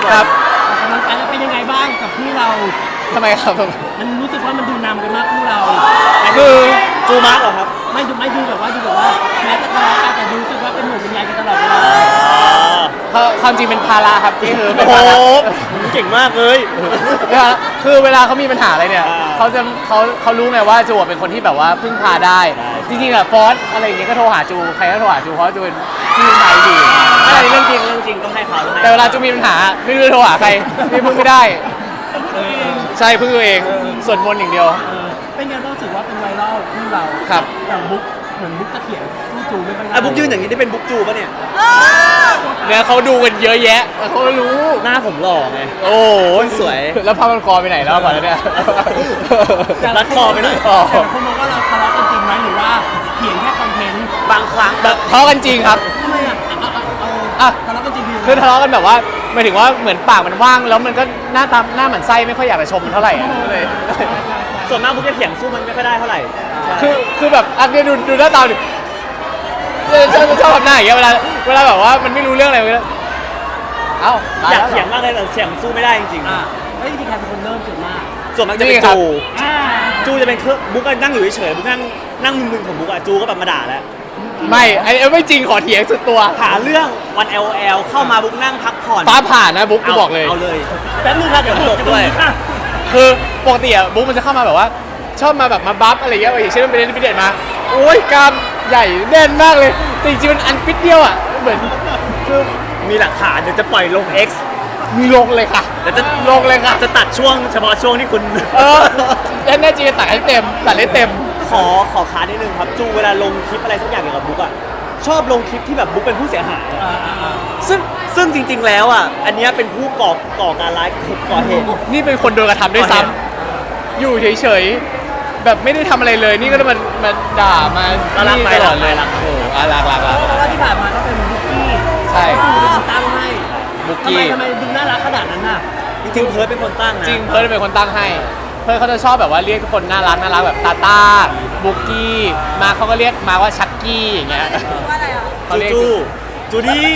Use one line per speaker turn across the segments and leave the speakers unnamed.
ครับ
กำลังกายจะเป็นยังไงบ้างกับคู่เรา
ทำไมครับ
มันรู้สึกว่ามันดูนำกันมากคู่เรา
คือ
จูมาร์กเหรอครับ
ไม่ดูแบบว่าแม้จะทะเลาะกันแต่ดูรู้สึกว่าเป็นหมู่เป็นใยกันตลอดเวลา
ความจริงเป็นภาระครับนี่คือเป็น
โอ้โห
ภาระ
เก่งมากเลย
คือเวลาเขามีปัญหาอะไรเนี่ยเขารู้ไงว่าจูเป็นคนที่แบบว่าพึ่งพาได้จริงๆอะฟอสอะไรอย่างเงี้ยก็โทรหาจูใครก็โทรหาจูเพราะจูเป็นที่พึ่งพาที่ดี
อะไรเรื่องจริงต้องให้เขา
แต่เวลาจูมีปัญหาไม่รู้จะโทรหาใครไม่พึ่งไม่ได้ใช่พึ่งตัวเองสวดมนต์อย่างเดียว
เป็นไงบ้างรู้สึกว่าเป็นไวรัลคู่เรา
ครับ
แต่บุ๊กเหมือนบุ๊กตะเขียนสู้จูไม่ค่อยได้
บุ๊กยืนอย่างนี้ได้เป็นบุ๊กจูป่ะเนี่ย
เนี่ยเขาดูกันเยอะแยะเขารู้
หน้าผมหล่อไง
โอ้
สวย
แล้วผ้าพันคอไปไหนแล้วก่อนเนี่ย
รัดคอไปหน่อย
แต่คนมองว่าเราทะเลาะกันจริงไหมหรือว่าเถียงแค่คอนเทนต์
บางครั้ง
ทะเลาะกันจริงครับ
ทำไมทะเลาะกันจริง
คือทะเลาะกันแบบว่าหมายถึงว่าเหมือนปากมันว่างแล้วมันก็หน้าหมันไส้ไม่ค่อยอยากจะชมมันเท่าไหร่เลย
ส่วนมากบุ๊กจะเถียงสู้มันไม่ค่อยได้เท่าไหร่
คือแบบอันนี้ดูหน้าตาดิชอบทำหน้าอย่างเงี้ยเวลาแบบว่ามันไม่รู้เรื่องอะไรเลย
อยากเถียงมากเลยแต่เถียงสู้ไม่ได้จริง
แล้วจริงๆใครเป็นคนเริ่มส่วนมาก
จะเป็นจูจะเป็นบุ๊กนั่งอยู่เฉยๆบุ๊กนั่งมึนๆของบุ๊กจูก็แบบมาด่าแล้ว
ไม่ไอ้ไม่จริงขอเถียงสุดตัว
หาเรื่องวัน LOL เข้ามาบุ๊กนั่งพักผ่อน
ฟ้าผ่านนะบุ๊กกูบอกเลย
เอาเลย
แป๊บนึงค่ะเดี๋ยว
จบด้วย
คือปกติอะบุ๊กมันจะเข้ามาแบบว่าชอบมาแบบมาบัฟอะไรเงี้ยอย่างเช่นมันไปเล่นฟิตเนสมาโอ้ยกล้ามใหญ่แน่นมากเลยแต่จริงๆมันอันฟิตเดียวอะเหมือนคือ
มีหลักฐานเดี๋ยวจะปล่อยลง X
มีลงเลยค่ะ
เดี๋ยวจะ
ลงเลยค่ะ
จะตัดช่วงเฉพาะช่วงที่คุณ
แน่จริงตัดให้เต็มตัดให้เต็ม
ขอค้านนิดนึงครับจูเวลาลงคลิปอะไรสักอย่างเกี่ยวกับบุ๊กอะชอบลงคลิปที่แบบบุ๊กเป็นผู้เสียหายซึ่งจริงๆแล้วอ่ะอันนี้เป็นผู้ก่อการร้ายก่อเหตุ
นี่เป็นคนโดนกระทำด้วยซ้ำอยู่เฉยๆแบบไม่ได้ทำอะไรเลยนี่ก็จะมาด่ามา
นี่
ตลอดเลยรักโอ้รัก
แล้วที่ผ่านมาก็เป็นบุ๊กกี้
ใช่
เป็นคนตั้งให้
บุ๊กกี้
ทำไมดูน่ารักขนาดนั้นน่ะ
จริงๆเพิร์ดเป็นคนตั้งนะ
จริงเพิร์ดเป็นคนตั้งให้เพิร์ดเขาจะชอบแบบว่าเรียกทุกคนน่ารักแบบตาบุ๊กกี้มาเขาก็เรียกมาว่าชักกี้อย่างเงี้ย
ว่าอะไรอ่ะ
จูดี้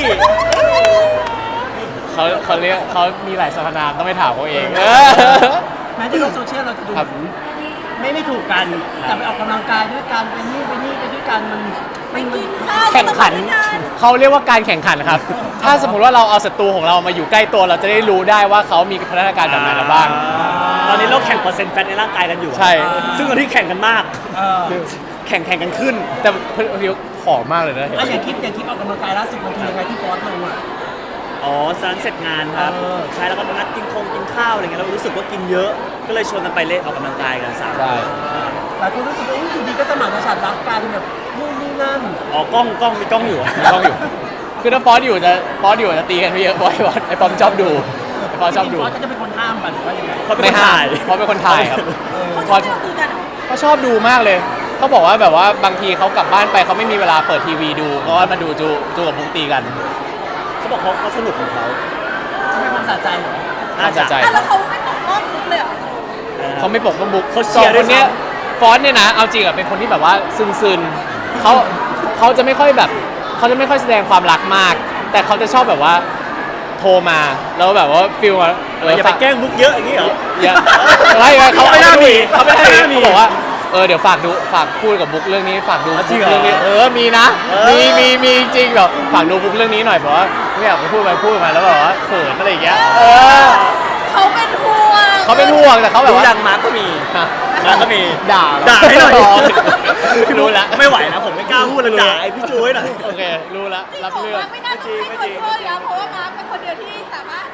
เขาเรียกเขามีหลายสรรพนามต้องไปถามเขาเอง
แม้ในโลกโซเชียลเราจะดูไม่ถูกกันแต่ไปออกกำลังกายด้วยกันไปนี่ไปด้วยกันมัน
กินข้าว
แข่งขันเขาเรียกว่าการแข่งขันครับถ้าสมมุติว่าเราเอาศัตรูของเรามาอยู่ใกล้ตัวเราจะได้รู้ได้ว่าเขามีพัฒนาการแบบไหนบ้าง
ตอนนี้เราแข่งเปอร์เซ็นต์แฟตในร่างกายกันอยู่
ใช่
ซึ่งตอนที่แข่งกันมากแข่งกันขึ้น
แต่เพียวผอมมากเลยนะ
อย่างคลิปออกกำลังกายล่าสุดมันคือยังไงที่ฟอสลงอ่ะ
สารเสร็จงานครับใช่แล้วก็นัดกินข้าวอะไรเงี้ยเรารู้สึกว่ากินเยอะก็เลยชวนกันไปเล่นออกกำลังกายกัน3
ใช่
หลายคนรู้สึกว่าอยู่ดีก็สมานฉันท์รักกันแบบนู่นนี่นั่น
กล้องมีกล้องอยู่
คือถ้าฟอสอยู่จะตีกันไม่เยอะเพราะไอ้ฟอสชอบดูฟอสชอบดู
ฟอสก็จะเป็นคนห้ามป่ะหรือว่ายังไง
ไม่ห้ามฟอสเป็นคนถ่ายครับ
ฟอสชอบดูกัน
เขาชอบดูมากเลยเขาบอกว่าแบบว่าบางทีเขากลับบ้านไปเขาไม่มีเวลาเปิดทีวีดูก็มาดูจูกับบุ๊กตีกัน
เขาบอกเขาสนุกของเขา
ไม่ความสะใจเหรอ
สะใจ
แล้วเขาไม่ปกป้องบุ๊กเลยเหรอ
เขาไม่ปกป้องบุ๊ก
เขาเชียร์ด้วย
เนี่ยฟอนเนี่ยนะเอาจริงอะเป็นคนที่แบบว่าซึนเขาจะไม่ค่อยแบบเขาจะไม่ค่อยแสดงความรักมากแต่เขาจะชอบแบบว่าโทรมาแล้วแบบว่าฟิลว่า
อย่าไปแกล้งบุ๊กเยอะอย่างนี้เหรอ
ไม่เขาไม่ได้มีเขาบอกว่าเดี๋ยวฝากพูดกับบุ๊กเรื่องนี้ฝากดูบุ๊กเรื่องนี้มีนะมีจริงแบบฝากดูบุ๊กเรื่องนี้หน่อยเพราะว่าไม่อยากไปพูดมาแล้วแบบว่าเขินอะไรอย่างเงี้ย
เขาเป็นห่
วงแต่เขาแบบว่า
ดังมาร์ก็มี
ด่า
ให้หน่อย
รู้แล้ว
ไม่ไหวนะผมไม่กล้าพูดเลยด่าไอ้พี่จูให้หน่อย
โอเครู้แล้วรับเรื่อง
ไม่น่าจะให้คนช่วยเพราะว่ามาร์เป็นคนเดียวที่สามารถ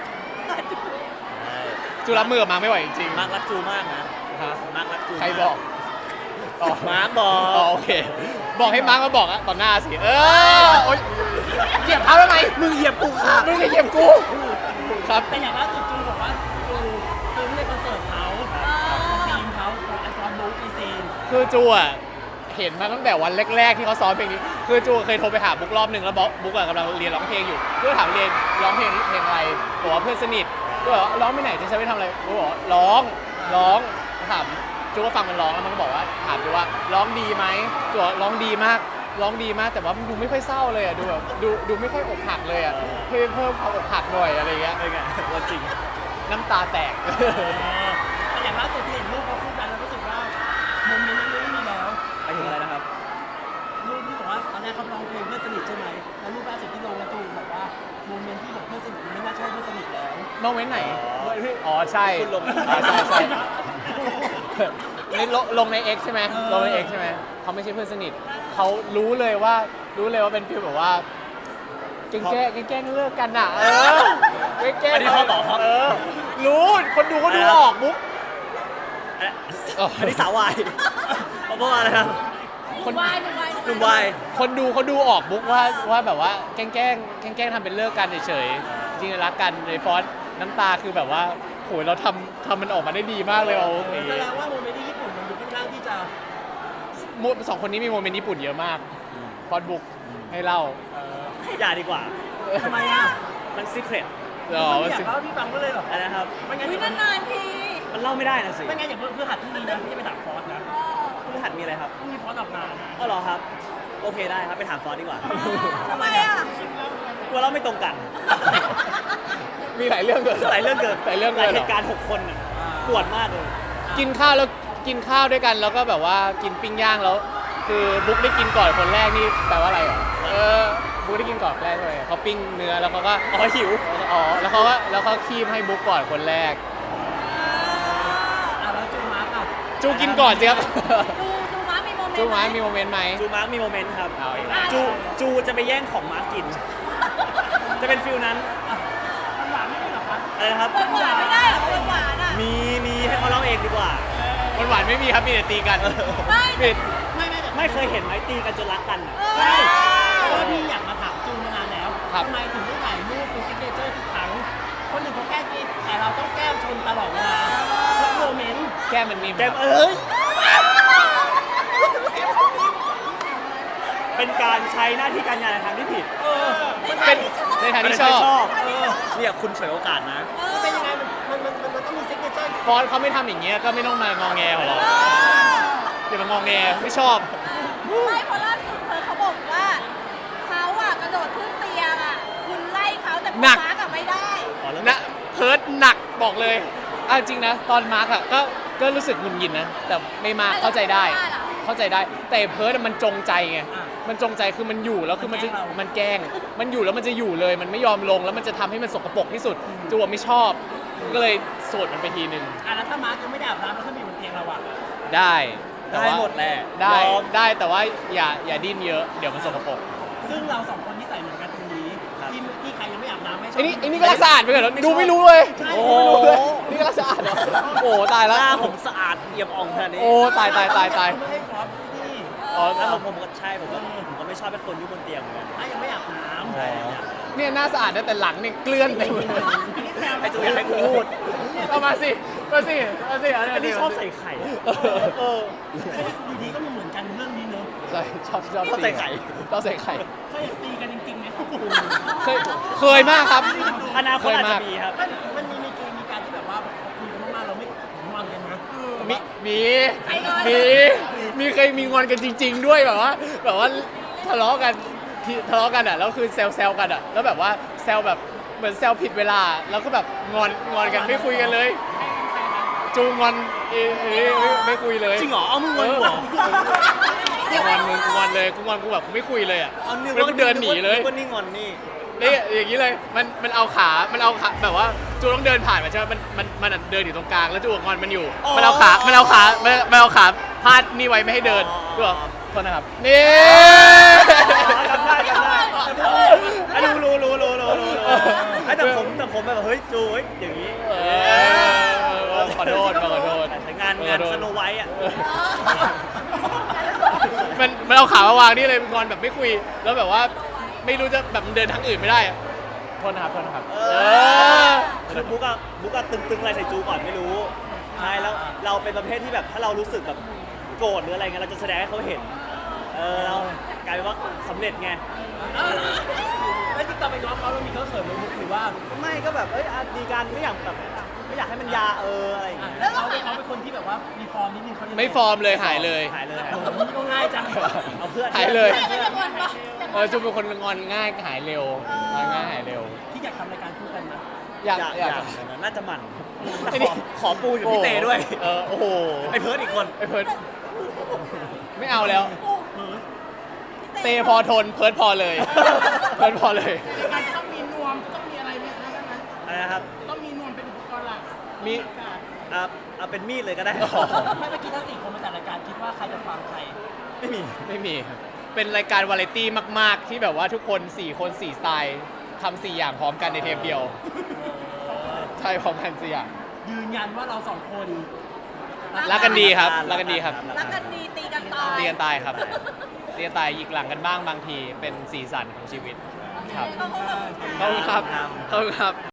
จูรับมือกับมาร์ไม่ไหวจริง
มาร์รักจูมากนะมาร์รักจู
ใครบอก
มาร์บอก
โอเคบอกให้มาร์มาบอกอะต่อหน้าสิเหยียบเท้าทำไม
มึงเหยียบกูค่ะ
มึงเหยียบกูครับ
แต่อย่างล่าสุดจูบอกว่าจูซื้อในคอนเสิร์ตเขาทีมเขาไอคอนบุ๊กไอซีน
คือจูอะเห็นมาตั้งแต่วันแรกๆที่เขาซ้อมเพลงนี้คือจูเคยโทรไปหาบุ๊กรอบนึงแล้วบุ๊กกำลังเรียนร้องเพลงอยู่ก็ถามเรียนร้องเพลงอะไรบอกว่าเพื่อนสนิทก็บอกร้องไปไหนจะใช้ไปทำอะไรบุ๊กบอกร้องถามจูก็ฟังมันร้องแล้วมันก็บอกว่าถามจูว่าร้องดีไหมจูบอกร้องดีมากร้องดีมากแต่ว่ามันดูไม่ค่อยเศร้าเลยอ่ะดูแบบดูไม่ค่อยอกหักเลยอ่ะเพิ่มความอกหักหน่อยอะไรเงี้ย
เป็นไงว่าจริง
น้ำตาแตก
แต่อย่างล่าสุดที่เห็นรูปเขาคู่กันแล้วรู้สึกว่าโมเมนต์นั้นไม่มีแล้ว
ไปถึงอะไรนะครับ
รูปที่บอกว่าตอนแรกเขาร้องเพลงเพื่อนสนิทใช่ไหมแล้วรูปล่าสุดที่ลงแล้วตูนบอกว่าโมเมนต์ที่บอกเพื่อนสนิทไม่น่าใช่เพื่อนสนิทแล้ว
มองไว้ไหน อ๋อใช่
คุณลง
อ๋อใช่ใช่ นี่ลงใน X ใช่ไหมลงใน X ใช่ไหมเขาไม่ใช่เพื่อนสนิทเขารู้เลยว่าเป็นฟีลแบบว่าแกล้งเลิกกันอ่ะแกล้ง
อันนี้เขาบอกครับ
รู้คนดูเขาดูออกบุ๊ก
อันนี้สาววายเพราะว่าอะไรครับ
หนุ่มวาย
หนุ่มวาย
คนดูเขาดูออกบุ๊กว่าแบบว่าแกล้งทำเป็นเลิกกันเฉยๆจริงๆรักกันในฟอนต์น้ำตาคือแบบว่าโหยเราทำมันออกมาได้ดีมากเลยเอา
แสดงว่าโมเมนต์ที่ญี่ปุ่นมันดูค่อนข้างที่จะ
สองคนนี้มีโมเมนต์ญี่ปุ่นเยอะมากฟอนต์บุ๊กให้เล่า
อย่าดีกว่า
ทำไมอ่ะ
มันซีเครต
ไม่อยากเล่าที่ฟังก็เลยหรอ
อะไรนะครับ
ไม่งั้น
วิ
เดี๋ยวน
านๆที
มันเล่าไม่ได้นะสิ
ไม่งั้นอย่าเพื่อหัดที่นี่นะพี่จะไปถามฟอสนะ
พฤหัสมีอะไรครับ
พรุ่งนี้ฟอสออกงาน
อ๋อเหรอครับ โอเคได้ครับ ไปถามฟอสดีกว่า
ทำไมอ่ะ
กลัวเล่าไม่ตรงกัน
มีหลายเรื่องเกิน
หลายเรื่องเกิน
หลายเรื่อง
ห
เกิ
ลาย
น
เห
เหรอ
ตุการณ์6 คนน่ะปวดมากเลย
กินข้าวด้วยกันแล้วก็แบบว่ากินปิ้งย่างแล้ว คือบุ๊กได้กินก่อนคนแรกนี่แปลว่าอะไรเหรอบุ๊กได้กินก่อนคนแรกเลยเขาปิ้งเนื้อแล้วเขาก็
อ๋อหิว
แล้วเขาคีบให้บุ๊กก่อนคนแรก
แล้วจูมาร์กอ่ะ
จูกินก่อนสิครับ
ดูม้ามีโมเมนต์
จูม้ามีโมเมนต์ไหม
จูมาร์กมีโมเมนต์ครับ
เอาอีกแล้ว
จูจะไปแย่งของมาร์กกิน จะเป็นฟิลนั้น
มันหวานไม่ได้หรอคะ
อะไรนะครับ
หวานไม่ได้เหรอหวานอ่ะ
มีให้เขาเล่าเองดีกว่า
หวานไม่มีครับมีแต่ตีกัน
ไม่
ปิด
ไม่เคยเห็นไหมตีกันจนรักกันอ่ะ
ใช่เพราะว่าพี่อยากมาถามจูมานานแล้ว
ครับ
ทำไมถึงต้องถ่ายรูปเป็นซิกเนเจอร์ทุกครั้งคนหนึ่งเขาแก้กินแต่เราต้องแก้มชนตลอดเวลาทุกโมเมนต์
แก้มมันมี
แกมเอ้ย เป็นการใช้หน้าที่การงานในทางที่ผิด
เป็นในทางที่ชอบ
เนี่ยคุณฉวยโอกาสนะ
เป็นยังไงมันต้องมีซิกเนเจอร์
ฟอนต์เขาไม่ทำอย่างเงี้ยก็ไม่ต้องมางองแงของเราอย่ามางองแงไม่ชอบ
ไม่เพราะล่าสุดเขาบอกว่าเขาอ่ะกระโดดขึ้นเตียงอ่ะคุณไล่เขาแต่คุณ
หนัก
ม้ากับไม่ได้
นะเพิร์ดหนักบอกเลยจริงนะตอนมาร์กอะก็รู้สึกหงุดหงิดนะแต่ไม่มากเข้าใจได้ แต่เพิร์ดมันจงใจไงมันจงใจคือมันอยู่แล้วคือมันแกล้งมันอยู่แล้วมันจะอยู่เลย มันไม่ยอมลงแล้วมันจะทำให้มันสกปรกที่สุดจูวไม่ชอบก็เลยโสดมันไปทีนึง
แล้วถ้ามาร์กยังไม่ได้อาบน้ำแล้วถ้ามีบนเตียงเราอ่ะ
ได้แต่
ได้
ว่า
หมดแหละ
ได้
ยอม
ได้แต่ว่าอย่าดิ้นเยอะเดี๋ยวมันสกปรก
ซึ่งเราสองคนที่ใส่เหมือนกันตรงนี้
ครับ
ที่ใครยังไม่อาบน้ำไม่ชอบ
ไอ้นี่ก็รักสะอาดไปก่อนดูไม่รู้เลย
ใช่
โอ้โหนี่ก็รักสะอาดเหรอโอ้ตาย
ห
แล้ว
น้าผมสะอาดเอี่ยมอ่องขนาดนี้
โอ้ตาย
ไม่ให้ฟอสที่
อ๋อ
แล้วผมก็ใช่ผมก็ไม่ชอบเป็นคนอยู่บนเตียงเหมือนกัน
ถ้ายังไม่อาบน้ำ
ใช่เนี่ย
เนี่ยหน้าสะอาดนะแต่หลังเนี่ยเกลื่อนเต็มเลย
ไอ้จูอยากให้กูพูด
เอามาสิเอาสิ
อันนี้ชอบใส่ไข่เออ
อยู่ดีก็มีเหมือนกันเรื่องนี้เนอะ
ใช่ชอบ
ชอบใส่ไข่
ชอบใส่ไข่
เคยอยากตีกันจริงๆไหม
เคยมากครับ
อนาคตอาจจะมีครับ
มันมีการที่แบบว่าคุยกันมากๆเราไม่งอนกันนะ
มีเคยมีงอนกันจริง ๆ ด้วยแบบว่าทะเลาะกันอ่ะแล้วคือแซวกันอ่ะแล้วแบบว่าแซวแบบเหมือนแซวผิดเวลาแล้วก็แบบงอนกันไม่คุยกันเลยจูงอนไม่คุยเลย
จริงเหรอ เอามึงงอนกูเหรอ
งอนเลยกูแบบไม่คุยเลยอ่ะ
เอานึก
แล้วกูเดินหนีเลย
ว่านี่งอนนี่
นี่อย่างนี้เลยมันเอาขาแบบว่าจูต้องเดินผ่านมาใช่ไหมมันเดินอยู่ตรงกลางแล้วจูงอนมันอยู่
อ๋อ
มันเอาขาพาดนี่ไว้ไม่ให้เดินกูบอกโทษนะครับนี่
จำได้อันนี้รู้ไอ้แต่ผมแบบเฮ้ยจูเฮ้ยอย่างนี้
ขอโทษ
แต่งานสโนไวท์อ่ะ
มันเอาขามาวางนี่เลยงอนแบบไม่คุย แล้วแบบว่าไม่รู้จะแบบมันเดินทางอื่นไม่ได้อะโทษนะครับ
คือบุ๊กอะตึงอะไรใส่จูก่อนไม่รู้ใช่แล้วเราเป็นประเภทที่แบบถ้าเรารู้สึกแบบโกรธหรืออะไรเงี้ยเราจะแสดงให้เขาเห็นเรากลายเป็นว่าสำเร็จไง
แล้วที่ต่อไปน้องเขาเรามีเขาเสริมมุกหรือว่า
ไม่ก็แบบดีการไม่อยากแบบไม่อยากให้มันยาอะไรอย่างเงี้ย
แล้วเขาเป็นคนที่แบบว่ามีฟอร์มนิดนึงเขา
ไม่ฟอร์มเลยหายเลย
หายเลย
โอ้โหนี่ก็ง่ายจัง
เอาเพื่อน
หายเลย
ไม่ก็จะงอนปะ
จุ๊บเป็นคนงอนง่ายหายเร็วง่ายหายเร็ว
ที่อยากทำรายการคู่กันนะ
อยาก
อยากน่าจะหมั่นขอปูอยู่พี่เตด้วย
โอ้โห
ไอ้เพิร์ดอีกคน
ไอ้เพิร์ดไม่เอาแล้ว
เพิร์ด
เตพอทนเพิร์ดพอเลย เพิร์ดพอเลย
การจะต้องมีนวมจะต้องมีอะไรไหมคะนั้น
อะไรนะครับ
ต้องมีนวมเป็นอุปกรณ์หลัก
มี
เอาเป็นมีดเลยก็ได้
ไม่เมื่อกี้ถ้า4 คนมาจัดรายการคิดว่าใครจะฟังใคร
ไม่มี
ไม่มีครับเป็นรายการวาไรตี้มาก ๆ ที่แบบว่าทุกคน 4 คน 4 สไตล์ทำ4 อย่างพร้อมกันในเทปเดียว ใช่พร้อมกัน4 อย่าง
ยืนยันว่าเรา2 คน
รักกันดีครับ รักกันดีครับ
รักกันดีตีกันตาย
เรียนตายครับเรียนตายหยิกหลังกันบ้างบางทีเป็นสีสันของชีวิตครับ
เขาก็แบบ
ขอบคุณครับขอบคุณครับ